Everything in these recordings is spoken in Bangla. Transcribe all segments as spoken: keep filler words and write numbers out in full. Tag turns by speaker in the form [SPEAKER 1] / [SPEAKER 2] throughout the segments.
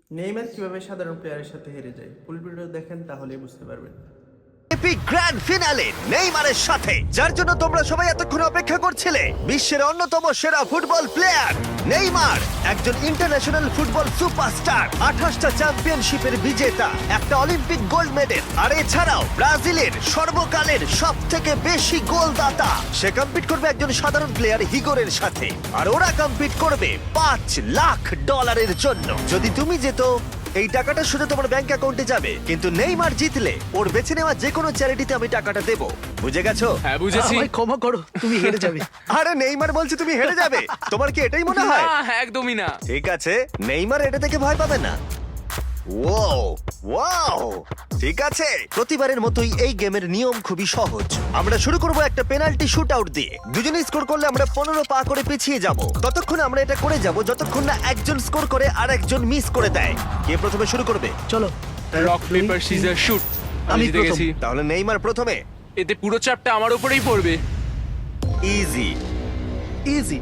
[SPEAKER 1] নেইমার কিভাবে সাধারণ প্লেয়ারের সাথে হেরে যায়, ফুল ভিডিও দেখেন তাহলেই বুঝতে পারবেন।
[SPEAKER 2] এপিক গ্র্যান্ড ফিনালে নেইমারের সাথে, যার জন্য তোমরা সবাই এতক্ষণ অপেক্ষা করছিলে। বিশ্বের অন্যতম সেরা ফুটবল প্লেয়ার নেইমার, একজন ইন্টারন্যাশনাল ফুটবল সুপারস্টার, আঠাশটা চ্যাম্পিয়নশিপের বিজেতা, একটা অলিম্পিক গোল্ড মেডেল, আর এছাড়াও ব্রাজিলের সর্বকালের সব থেকে বেশি গোলদাতা। সে কম্পিট করবে একজন সাধারণ প্লেয়ার হিগোরের সাথে, আর ওরা কম্পিট করবে পাঁচ লাখ ডলারের জন্য। যদি তুমি যেত, এই টাকাটা শুধু তোমার ব্যাংক অ্যাকাউন্টে যাবে, কিন্তু নেইমার জিতলে ওর বেছে নেওয়া যে কোনো চ্যারিটিতে আমি টাকাটা দেবো। বুঝে গেছো?
[SPEAKER 3] হ্যাঁ বুঝেছি।
[SPEAKER 4] আমায় ক্ষমা করো, তুমি হেরে যাবে।
[SPEAKER 2] আরে নেইমার বলছে তুমি হেরে যাবে, তোমার কি এটাই মনে হয়?
[SPEAKER 3] না, একদমই না।
[SPEAKER 2] ঠিক আছে, নেইমার এটা থেকে ভয় পাবে না। ওয়াও ওয়াও ঠিক আছে, প্রতিবারের মতোই এই গেমের নিয়ম খুবই সহজ। আমরা শুরু করব একটা পেনাল্টি শুট আউট দিয়ে। দুজনে স্কোর করলে আমরা পনেরো পা করে পিছিয়ে যাব। ততক্ষণ আমরা এটা করে যাব যতক্ষণ না একজন স্কোর করে আর একজন মিস করে দেয়। কে প্রথমে শুরু করবে?
[SPEAKER 4] চলো
[SPEAKER 3] রক পেপার সিজার শুট। আমি
[SPEAKER 4] আমি
[SPEAKER 3] জিতে
[SPEAKER 4] প্রথম।
[SPEAKER 3] গেছি।
[SPEAKER 2] তাহলে নেইমার প্রথমে।
[SPEAKER 3] এতে পুরো চাপটা আমার উপরেই পড়বে।
[SPEAKER 2] ইজি।
[SPEAKER 4] ইজি।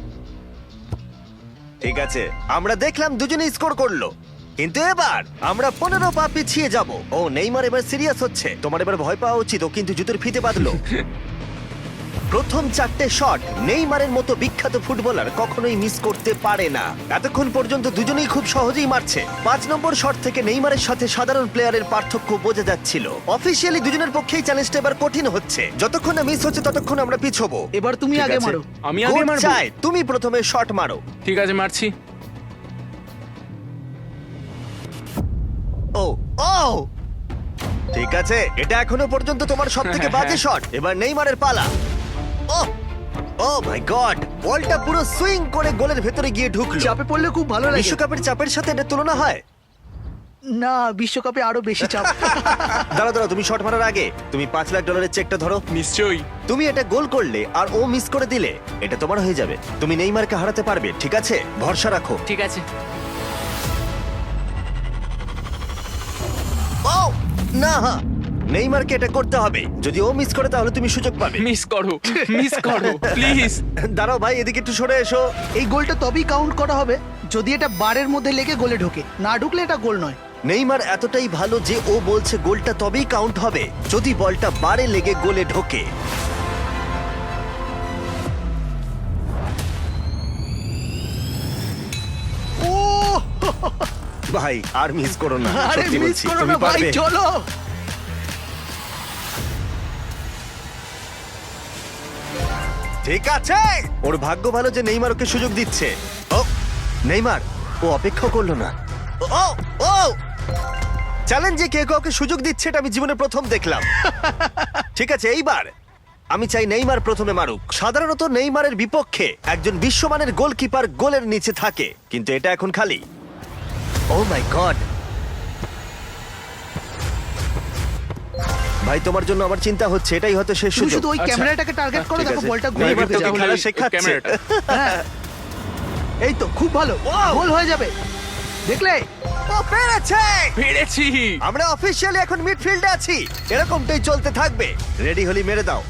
[SPEAKER 2] ঠিক আছে, আমরা দেখলাম দুজনে স্কোর করলো, কিন্তু এবার আমরা পনেরো পা পিছিয়ে যাব। ও নেইমার এবার সিরিয়াস হচ্ছে। তোমার এবার ভয় পাওয়া উচিত, ও কিন্তু জুতোর ফিতে বাঁধলো। প্রথম চারটে শট নেইমারের মতো বিখ্যাত ফুটবলার কখনোই মিস করতে পারে না। এতক্ষণ পর্যন্ত দুজনেই খুব সহজেই মারছে। পাঁচ নম্বর শট থেকে নেইমারের সাথে সাধারণ প্লেয়ারের পার্থক্য বোঝা যাচ্ছিল। অফিসিয়ালি দুজনের পক্ষেই চ্যালেঞ্জটা এবার কঠিন হচ্ছে। যতক্ষণ না মিস হচ্ছে ততক্ষণ আমরা পিছবো।
[SPEAKER 4] এবার তুমি
[SPEAKER 2] ঠিক
[SPEAKER 4] আগে
[SPEAKER 2] আছে?
[SPEAKER 4] মারো।
[SPEAKER 3] আমি আগে
[SPEAKER 2] গোল
[SPEAKER 3] মারবো?
[SPEAKER 2] চাই, তুমি প্রথমে শট মারো।
[SPEAKER 3] ঠিক আছে, মারছি।
[SPEAKER 2] ও ও ঠিক আছে, এটা এখনো পর্যন্ত তোমার সব থেকে বাজে শট। এবার নেইমারের পালা। ও ও মাই গড, বলটা পুরো সুইং করে গোলের ভেতরে গিয়ে ঢুকলো।
[SPEAKER 4] চাপে পড়লে খুব ভালো লাগে।
[SPEAKER 2] বিশ্বকাপের চাপের সাথে এটা তুলনা হয়?
[SPEAKER 4] না, বিশ্বকাপে আরো বেশি চাপ।
[SPEAKER 2] দাঁড়াও দাঁড়াও, তুমি শট মারার আগে তুমি পাঁচ লাখ ডলারের চেকটা ধরো।
[SPEAKER 3] নিশ্চয়ই।
[SPEAKER 2] তুমি এটা গোল করলে আর ও মিস করে দিলে এটা তোমার হয়ে যাবে। তুমি নেইমারকে হারাতে পারবে, ঠিক আছে? ভরসা রাখো।
[SPEAKER 3] ঠিক আছে।
[SPEAKER 2] ও না, নেইমারকে এটা করতে হবে। যদি ও মিস করে তাহলে তুমি সুযোগ পাবে।
[SPEAKER 3] মিস করো, মিস করো প্লিজ।
[SPEAKER 2] দাঁড়াও ভাই, এদিকে একটু সরে এসো।
[SPEAKER 4] এই গোলটা তবেই কাউন্ট করা হবে যদি এটা বারের মধ্যে লেগে গোলে ঢোকে। না ঢুকলে এটা গোল নয়।
[SPEAKER 2] নেইমার এতটাই ভালো যে ও বলছে গোলটা তবেই কাউন্ট হবে যদি বলটা বারে লেগে গোলে ঢোকে।
[SPEAKER 4] ও
[SPEAKER 2] ভাই আর মিস করো না,
[SPEAKER 4] আরে
[SPEAKER 2] সত্যি
[SPEAKER 4] মিস
[SPEAKER 2] বলছি,
[SPEAKER 4] করো
[SPEAKER 2] তুমি
[SPEAKER 4] না ভাই,
[SPEAKER 2] পারবে।
[SPEAKER 4] চলো।
[SPEAKER 2] ঠিক আছে, ওর ভাগ্য ভালো যে নেইমার ওকে সুযোগ দিচ্ছে। ও নেইমার, ও অপেক্ষা করলো না। ও ও চ্যালেঞ্জে কে কাউকে সুযোগ দিচ্ছে এটা আমি জীবনে প্রথম দেখলাম। ঠিক আছে, এইবার আমি চাই নেইমার প্রথমে মারুক। সাধারণত নেইমারের বিপক্ষে একজন বিশ্বমানের গোলকিপার গোলের নিচে থাকে, কিন্তু এটা এখন খালি। ও মাই গড, ভাই তোমার জন্য আমার চিন্তা হচ্ছে, এটাই হয়তো শেষ
[SPEAKER 4] তুমি
[SPEAKER 2] সুযোগ।
[SPEAKER 4] শুধু ওই
[SPEAKER 3] আচ্ছা,
[SPEAKER 4] ক্যামেরাটাকে টার্গেট করো,
[SPEAKER 2] ঠিক
[SPEAKER 4] দেখো
[SPEAKER 2] আছে।
[SPEAKER 4] বলটা গোলে
[SPEAKER 2] নেইমার
[SPEAKER 4] ঢুকে
[SPEAKER 2] তোকে
[SPEAKER 4] যাবে।
[SPEAKER 2] খেলা
[SPEAKER 3] ওই
[SPEAKER 2] শেখাচ্ছে।
[SPEAKER 3] ক্যামেরাটা।
[SPEAKER 4] হ্যাঁ। এই তো খুব ভালো, গোল হয়ে যাবে, দেখলে?
[SPEAKER 2] ও পেরেছে!
[SPEAKER 3] পেরেছি।
[SPEAKER 2] আমরা অফিসিয়ালি এখন মিডফিল্ডে আছি। এরকমটাই চলতে থাকবে। রেডি হলি মেরে দাও।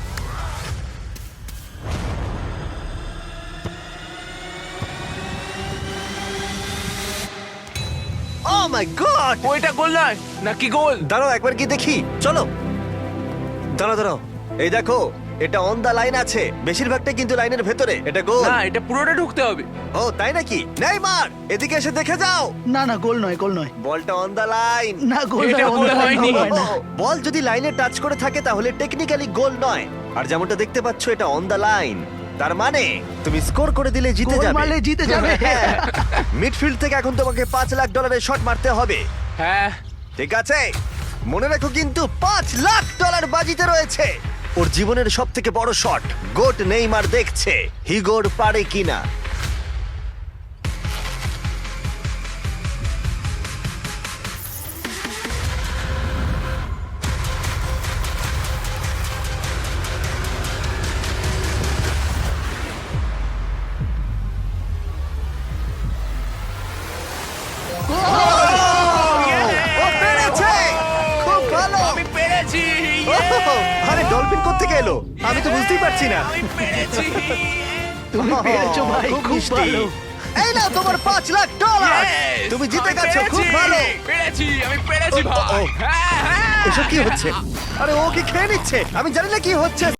[SPEAKER 2] Oh my god!
[SPEAKER 3] ওইটা গোল নয় নাকি গোল?
[SPEAKER 2] দাঁড়াও একবার কি দেখি, চলো। দাঁড়াও দাঁড়াও, এই দেখো এটা অন দা লাইন আছে। বেশিরভাগটা কিন্তু লাইনের ভেতরে। এটা গোল।
[SPEAKER 3] না, এটা পুরোটা ঢুকতে হবে।
[SPEAKER 2] ও তাই নাকি? নেইমার এদিকে এসে দেখে যাও।
[SPEAKER 4] না না, গোল নয়, গোল নয়।
[SPEAKER 2] বলটা অন দা লাইন।
[SPEAKER 4] না, গোল
[SPEAKER 3] এটা
[SPEAKER 4] নয়,
[SPEAKER 3] গোল
[SPEAKER 4] অন্য
[SPEAKER 3] হয়নি।
[SPEAKER 4] হয় না।
[SPEAKER 2] বল যদি লাইনে টাচ করে থাকে তাহলে টেকনিক্যালি গোল নয়। আর যেমনটা দেখতে পাচ্ছ এটা অন দা লাইন, তার মানে তুমি স্কোর করে দিলে জিতে
[SPEAKER 4] গোল
[SPEAKER 2] যাবে।
[SPEAKER 4] মারলে জিতে যাবে।
[SPEAKER 2] মিডফিল্ড থেকে এখন তোমাকে পাঁচ লাখ ডলারের শট মারতে হবে।
[SPEAKER 3] হ্যাঁ।
[SPEAKER 2] ঠিক আছে, মনে রাখো কিন্তু পাঁচ লাখ ডলার বাজিতে রয়েছে। ওর জীবনের সব থেকে বড় শট। গোট নেইমার দেখছে হিগোর পারে কিনা। ও পেরেছে! খুব ভালো!
[SPEAKER 3] আমি পেরেছি।
[SPEAKER 2] ওহ, আরে ডলফিন কোত্থেকে এলো? আমি তো বুঝতেই পারছি না।
[SPEAKER 3] আমি পেরেছি।
[SPEAKER 4] তুমি পেরেছো ভাই,
[SPEAKER 2] খুব
[SPEAKER 4] খুব
[SPEAKER 2] মিষ্টি।
[SPEAKER 4] ভালো।
[SPEAKER 2] এই নাও তোমার পাঁচ লাখ ডলার।
[SPEAKER 3] Yes!
[SPEAKER 2] তুমি জিতে
[SPEAKER 3] আমি
[SPEAKER 2] গেছো, খুব
[SPEAKER 3] পেরেছি!
[SPEAKER 2] ভালো।
[SPEAKER 3] পেরেছি আমি পেরেছি
[SPEAKER 2] ও, ও,
[SPEAKER 3] ভাই
[SPEAKER 2] ও।
[SPEAKER 3] হ্যাঁ হ্যাঁ
[SPEAKER 2] এসব কি হচ্ছে? আরে ও কি খেয়ে নিচ্ছে? আমি জানি না কি হচ্ছে।